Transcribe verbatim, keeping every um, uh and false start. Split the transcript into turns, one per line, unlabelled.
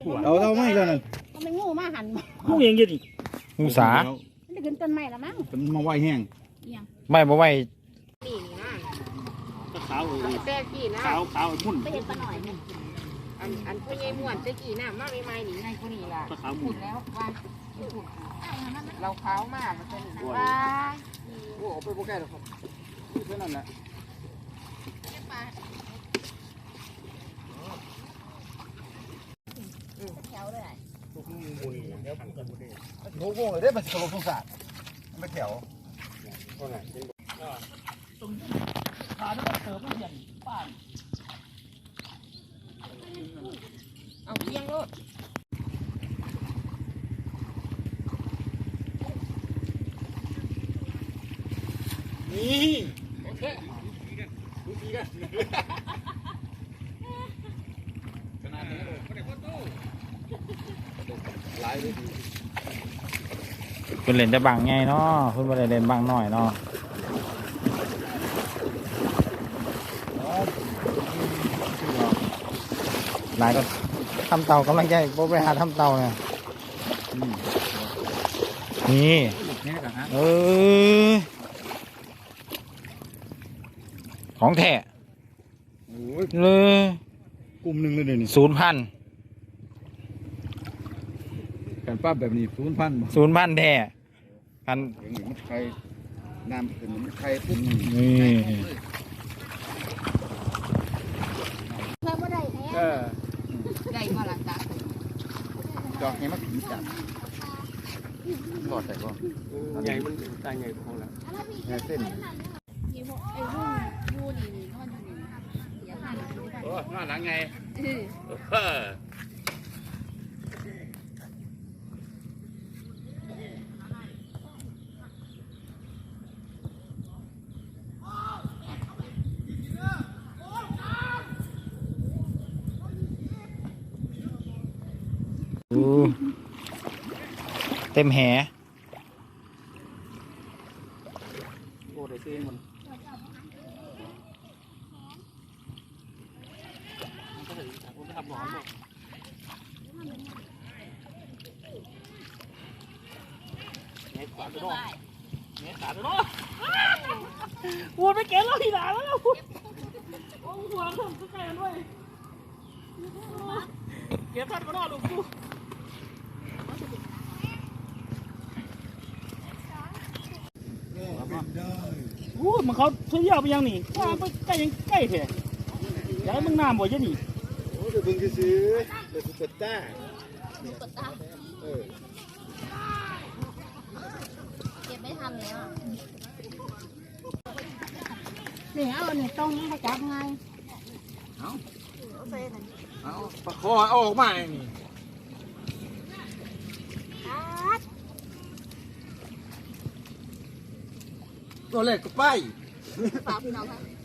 เอาเท่าไม่แล้วนั่น
มันเป็นงูมาหัน
งูยังยืดอีก
งูสา
มันจะขึ้นต้นไม้ละมั้ง
เป็นมาไหวแห้ง
ไม่บ่ไหว
นี่นะ
ขาวเลย
แต่กี่นะ
ขาวขาวมุ่น
ไปเห็นปลาหน่อยอันอันพ่อใหญ่ม่วนจะกี่น้ำมาไม่ไม่หนีไงคนนี้ล่ะ
ขาวมุ่น
แล้วว่าเราขาวมากมันเป็นว่า
โอ้ไปโปรแกรมหรอครับแค่นั้นแหละ
แถวเลย
โง่โง่เลยได้มาสโลสงสารไม่แถว
ขาต้องเติมไม่เห็นป้าน
เอาเพียงโลด
นี่โอเคดูดีกันขนาดนี้เลยไม่ได้พ่อตู้หลายเลย
คุณเล่นได้บางไงเนาะคุณไม่ได้เล่นบางน้อยเนาะหลายก็ทำเตากำลังใจโบไปหาทำเตาเนี่ยนี่เออของแท้เลย
กลุ่มหนึ่งเลยเดี๋ยวนี้
ศูนย์พัน
การป้าแบบนี้ศูนย์พัน
ศูนย์พันแท้กัน
อย่างนี้มันใครน้ำเป็นมันใครพุ่ง
นี่
เพิ่มว่าได้แน่ได้มาหลังจาก
จอกให้มันผีจับหลอดใส่ก่อน
ใหญ่มันตายใหญ่ของเรา
เส้น
ไอ้พวกไอ้พวกยูนี่นี่นอนอยู่นี่เสียค่าหนึ่งได้
โอ้นอนหลังไงเออ
เต็มแห
โอ้ได้ซื้อมันก็ถึงผมจะทำหลอนหมดเน็ตขาดไปเนาะเน็ตขาดไปเนาะวัวไปเก็บแล้วทีหลังแล้วโอ้หัวผมก็แก่ด้วยเก็บทันก็นอนลูกกูโอ้มันเขาเที่ยวไปยังนี่ว่าไปใกล้ยังใกล้เถอะอยากให้มึงน้ำบ่อยนี่
โอ้เดี๋ยวเพิ่งจะซื้อเดี๋ยวสุดต้าเออ
เก็บไม่ทันแล้วนี่เอาเนี่ยต้องให้จับไง
เอาเอาประคอออกมานี่ตัวเล็กก็ไป
ฝากพี่น้องครับ